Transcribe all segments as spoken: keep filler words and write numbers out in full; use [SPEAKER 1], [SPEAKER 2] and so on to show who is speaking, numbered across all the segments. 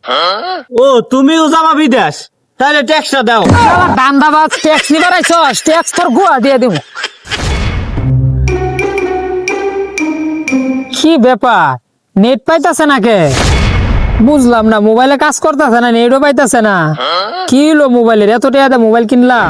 [SPEAKER 1] ও তুমিও যাবা বিদেশ, তাহলে ট্যাক্সটা দাও।
[SPEAKER 2] শালা দান্দাবাজ, ট্যাক্স নিবার আইছস, ট্যাক্স তোর গুয়া দিয়ে দেব। কি ব্যাপার, নেট পাইতাছে না কে? বুঝলাম না, মোবাইলে কাজ করতেছে না, নেটও পাইতাছে না। কি হলো মোবাইলের, এত টাকা দিয়ে মোবাইল কিনলাম।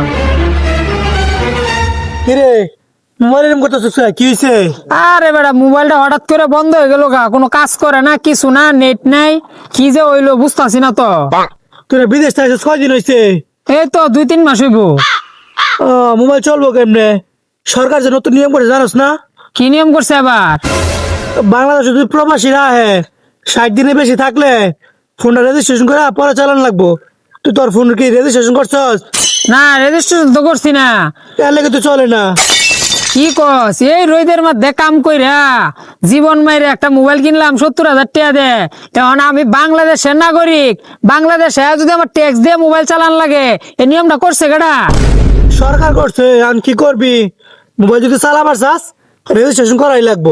[SPEAKER 1] কিরে মোবাইল এরকম করতেছিস, কি হয়েছে?
[SPEAKER 2] আরে বেটা, মোবাইলটা হঠাৎ করে বন্ধ হয়ে গেল গা, কোনো কাজ করে না, কিছু না, নেট নাই, কি যে হইলো বুঝতাছি না তো।
[SPEAKER 1] তোরা বিদেশ থেকে কয়দিন হয়েছে?
[SPEAKER 2] এই তো দুই তিন মাস হইব।
[SPEAKER 1] মোবাইল চলবো কেমনে? সরকার যে নতুন নিয়ম করে জানোস না?
[SPEAKER 2] কি নিয়ম করছে আবার?
[SPEAKER 1] বাংলাদেশে যদি প্রবাসীরা আহে ষাট দিনে বেশি থাকলে ফোনটা রেজিস্ট্রেশন করে পরে চালান লাগবো। তুই তোর ফোন কি রেজিস্ট্রেশন করছস?
[SPEAKER 2] না, রেজিস্ট্রেশন তো করছি না।
[SPEAKER 1] এর লেগে তো চলে না।
[SPEAKER 2] কি কস, এই রোদের মধ্যে কাম কইরা জীবন মাইরে একটা মোবাইল কিনলাম সত্তর হাজার টাকা দে। তখন আমি বাংলাদেশের নাগরিক, বাংলাদেশে যদি আমার ট্যাক্স দিয়ে মোবাইল চালান লাগে, এই নিয়মটা করছে কেডা?
[SPEAKER 1] সরকার করছে, আমি কি করবি? মোবাইল যদি চালাবার চাস রেজিস্ট্রেশন করাই লাগবো।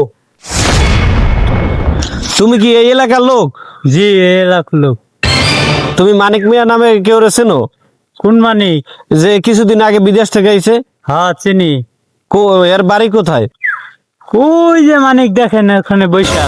[SPEAKER 3] তুমি কি এই এলাকার লোক?
[SPEAKER 1] জি এলাকার লোক।
[SPEAKER 3] তুমি মানিক মিয়া নামে কেউ চেনো?
[SPEAKER 1] কোন মানিক?
[SPEAKER 3] যে কিছুদিন আগে বিদেশ থেকে আইছে।
[SPEAKER 1] হ্যাঁ চিনি।
[SPEAKER 3] কো- এর বাড়ি কোথায়?
[SPEAKER 1] ওই যে মানিক দেখেন ওখানে বৈশা।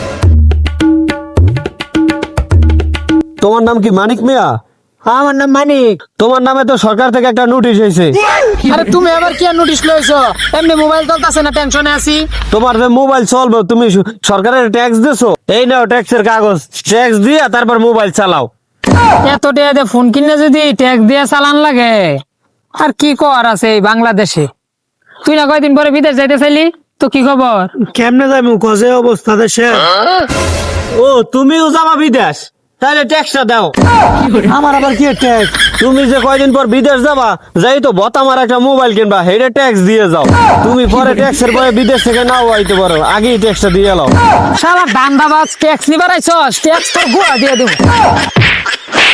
[SPEAKER 3] তোমার নাম কি মানিক মিয়া?
[SPEAKER 2] আমার নাম মানিক।
[SPEAKER 3] তোমার নামে তো সরকার থেকে একটা নোটিশ হয়েছে।
[SPEAKER 2] আরে তুমি আবার কি নোটিশ লইছো? এমনি মোবাইল চলতেছে না, টেনশনে আছি।
[SPEAKER 3] তোমার যে মোবাইল চলবে, তুমি সু- সরকারের ট্যাক্স দিছো, এই নাও ট্যাক্সের কাগজ, ট্যাক্স দিয়া তারপর মোবাইল চালাও।
[SPEAKER 2] এত টাকা দিয়ে ফোন কিনে যদি ট্যাক্স দিয়ে চালান লাগে, আর কি কর আছে এই বাংলাদেশে? তুই না কয়দিন পরে বিদেশ যাইতে চাইলি, তো কি খবর?
[SPEAKER 1] কেমনে যাই মুখ যে অবস্থা দেশে।
[SPEAKER 3] ও তুমিও যাবা বিদেশ, তাহলে ট্যাক্সটা দাও।
[SPEAKER 1] আমার আবার কি ট্যাক্স?
[SPEAKER 3] তুমি যে কয়দিন পর বিদেশ যাবা, যাই তো বত আমার একটা মোবাইল কিনবা, হেডে ট্যাক্স দিয়ে যাও। তুমি পরে ট্যাক্সের বয়ে বিদেশ থেকে নাও আইতে পারো, আগেই ট্যাক্সটা দিয়ে নাও।
[SPEAKER 2] শালা দান্দাবাজ, ট্যাক্স নিবার আইছস, ট্যাক্স তোর গুয়া দিয়ে দেব।